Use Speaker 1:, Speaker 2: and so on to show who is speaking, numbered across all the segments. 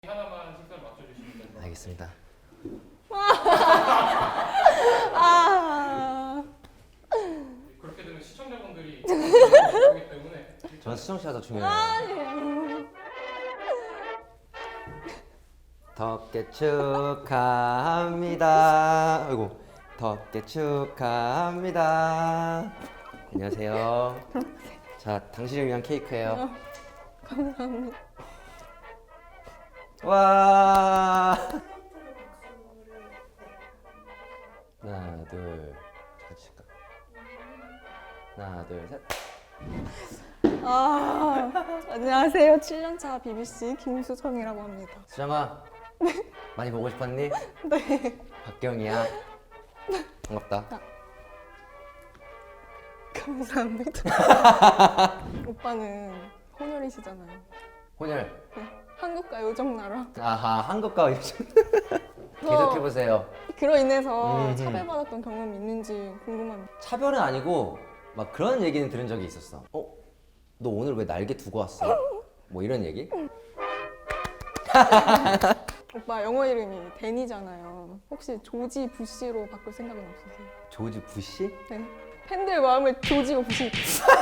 Speaker 1: 하나만 식사를 맞춰주시면 됩니다.
Speaker 2: 알겠습니다.
Speaker 1: 그렇게 되면 시청자분들이 보기 때문에
Speaker 2: 전 시청자가 더 중요해요. 덕계 축하합니다. 아이고, 덕계 축하합니다. 안녕하세요. 자, 당신을 위한 케이크예요.
Speaker 3: 감사합니다.
Speaker 2: 와. 하나, 둘, 같이 칠까? 하나, 둘, 셋.
Speaker 3: 안녕하세요. 7년차 BBC 김수정이라고 합니다.
Speaker 2: 수정아, 많이 보고 싶었니?
Speaker 3: 네.
Speaker 2: 박경이야. 반갑다.
Speaker 3: 감사합니다. 오빠는 혼혈이시잖아요.
Speaker 2: 혼혈.
Speaker 3: 네. 한국과 요정나라.
Speaker 2: 아하, 한국과 요즘. 계속해보세요.
Speaker 3: 그로 인해서
Speaker 2: 음흠.
Speaker 3: 차별받았던 경험이 있는지 궁금합니다.
Speaker 2: 차별은 아니고 막 그런 얘기는 들은 적이 있었어. 너 오늘 왜 날개 두고 왔어? 뭐 이런 얘기?
Speaker 3: 오빠 영어 이름이 댄이잖아요. 혹시 조지 부시로 바꿀 생각은 없으세요?
Speaker 2: 조지 부시?
Speaker 3: 네. 팬들 마음을 조지고 부시.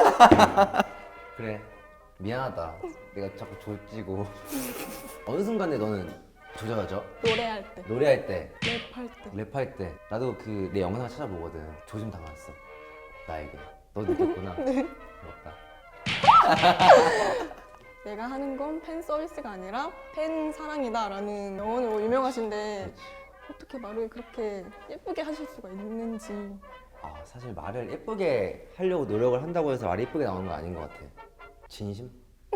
Speaker 2: 그래, 미안하다. 내가 자꾸 조지고. 어느 순간에 너는 조져가죠?
Speaker 3: 노래할 때,
Speaker 2: 노래할 때,
Speaker 3: 랩할 때.
Speaker 2: 랩할 때. 나도 그 내 영상 찾아보거든. 조짐 당했어. 나에게. 너 느꼈구나.
Speaker 3: 네.
Speaker 2: 부럽다.
Speaker 3: 내가 하는 건 팬 서비스가 아니라 팬 사랑이다라는 명언으로 유명하신데
Speaker 2: 그렇지.
Speaker 3: 어떻게 말을 그렇게 예쁘게 하실 수가 있는지.
Speaker 2: 아, 사실 말을 예쁘게 하려고 노력을 한다고 해서 말이 예쁘게 나오는 건 아닌 것 같아. 진심?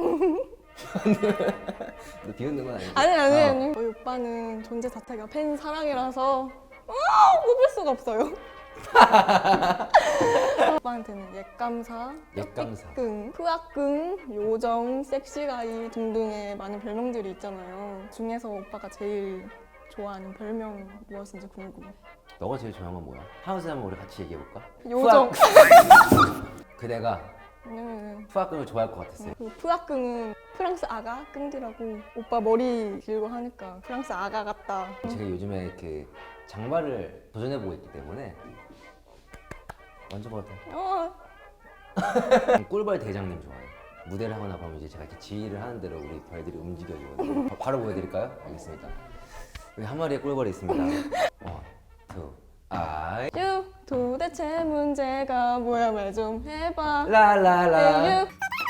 Speaker 2: 너 비웃는 건 아니지?
Speaker 3: 아니. 저희 오빠는 존재 자체가 팬 사랑이라서 뽑을 수가 없어요. 오빠한테는 옛감사,
Speaker 2: 옛감사.
Speaker 3: 끈, 프악끈, 요정, 섹시가이 등등의 많은 별명들이 있잖아요. 중에서 오빠가 제일 좋아하는 별명 무엇인지 궁금해.
Speaker 2: 너가 제일 좋아하는 건 뭐야? 하우스 한번 우리 같이 얘기해볼까?
Speaker 3: 요정.
Speaker 2: 그대가
Speaker 3: 왜냐면은
Speaker 2: 푸악금을 좋아할 것 같았어요.
Speaker 3: 그 프악끈은 프랑스 아가 끈디라고 오빠 머리 길고 하니까 프랑스 아가 같다.
Speaker 2: 제가 요즘에 그 장발을 도전해보고 있기 때문에 만져봐도 돼. 꿀벌 대장님 좋아해요. 무대를 하거나 그러면 이제 제가 이렇게 지휘를 하는 대로 우리 벌들이 움직여지거든요. 바로 보여드릴까요? 알겠습니다. 여기 한 마리의 꿀벌이 있습니다. 원, 투, 아이.
Speaker 3: 유 도대체 문제가 뭐야 말 좀 해봐.
Speaker 2: 라라라.
Speaker 3: 에유.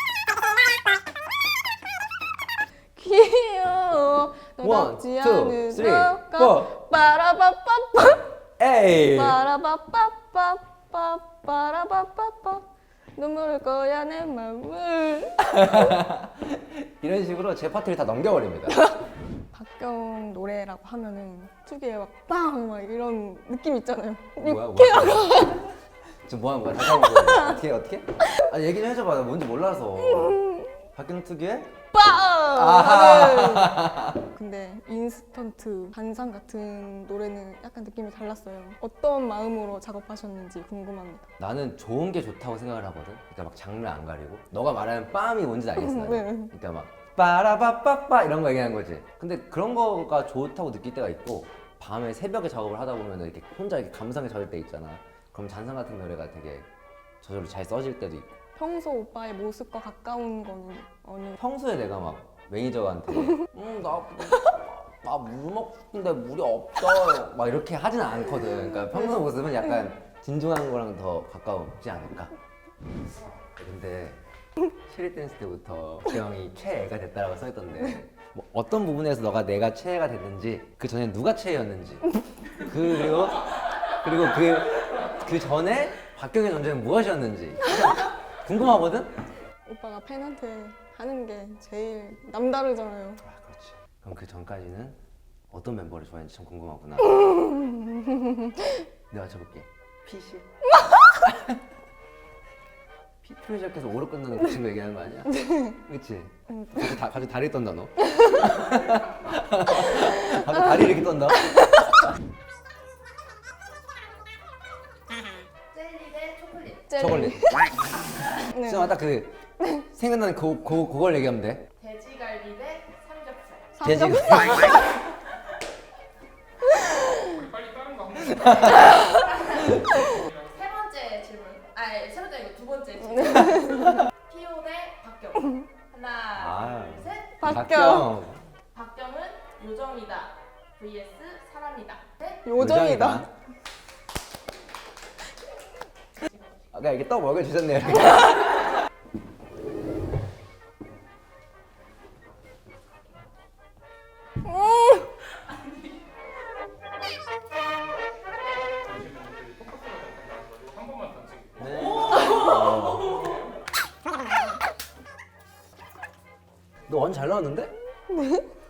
Speaker 3: 귀여워
Speaker 2: 원,
Speaker 3: 너답지
Speaker 2: 투, 쓰리,
Speaker 3: 않으려까
Speaker 2: 포.
Speaker 3: 빠라바빠빠
Speaker 2: 에이.
Speaker 3: 빠라바빠빠빠 빠라바빠빠 눈물을 거야 내 맘을.
Speaker 2: 이런 식으로 제 파트를 다 넘겨버립니다.
Speaker 3: 박경 노래라고 하면은 특유의 막빵막 이런 느낌 있잖아요.
Speaker 2: 뭐야? 지금 뭐 하는 거야? 다시 한번 보여줘. 어떻게? 아니 얘기 좀 해줘봐. 나 뭔지 몰라서. 박경 특유의?
Speaker 3: 빵! 근데 인스턴트 반상 같은 노래는 약간 느낌이 달랐어요. 어떤 마음으로 작업하셨는지 궁금합니다.
Speaker 2: 나는 좋은 게 좋다고 생각을 하거든. 그러니까 막 장르 안 가리고. 너가 말하는 빰이 뭔지 알겠어. 나는.
Speaker 3: 네.
Speaker 2: 그러니까 막 빠라바빠빠 이런 거 얘기하는 거지. 근데 그런 거가 좋다고 느낄 때가 있고 밤에 새벽에 작업을 하다 보면 이렇게 혼자 이렇게 감상에 젖을 때 있잖아. 그럼 잔상 같은 노래가 되게 저절로 잘 써질 때도 있고.
Speaker 3: 평소 오빠의 모습과 가까운 거는 어느?
Speaker 2: 평소에 내가 막 매니저한테 나물 먹는데 물이 없어요 막 이렇게 하지는 않거든. 그러니까 평소 모습은 약간 진중한 거랑 더 가까우지 않을까. 근데 체리 댄스 때부터 재영이 최애가 됐다라고 써있던데 뭐 어떤 부분에서 너가 내가 최애가 됐는지 그 전에 누가 최애였는지 그리고 그 전에 박경의 존재는 무엇이었는지 궁금하거든?
Speaker 3: 오빠가 팬한테 하는 게 제일 남다르잖아요.
Speaker 2: 아, 그렇지. 그럼 그 전까지는 어떤 멤버를 좋아했는지 참 궁금하구나. 내가 맞춰볼게. PC? P로 시작해서 O로 끝나는 그 친구 얘기하는 거 아니야? 그치? 갑자기 다리 떤다 너. 갑자기 다리 이렇게 떤다.
Speaker 4: 젤리 대 초콜릿.
Speaker 2: 초콜릿.
Speaker 3: 네.
Speaker 2: 진짜 딱 그 생각나는 그걸 얘기하면 돼.
Speaker 4: 돼지갈비 대 삼겹살.
Speaker 2: 돼지가
Speaker 1: 우리 빨리 다른 거 한번.
Speaker 4: 세 번째 질문. 아니 세 번째 아니고 두 번째 질문. 피오 대 박경. 하나,
Speaker 2: 아.
Speaker 4: 둘, 셋.
Speaker 3: 박경.
Speaker 4: 박경은 요정이다. vs 사람이다. 네?
Speaker 3: 요정이다.
Speaker 2: 아까 이렇게 떡 먹여주셨네요.
Speaker 1: 한 번만 던지고.
Speaker 2: 네. 너 완전 잘 나왔는데?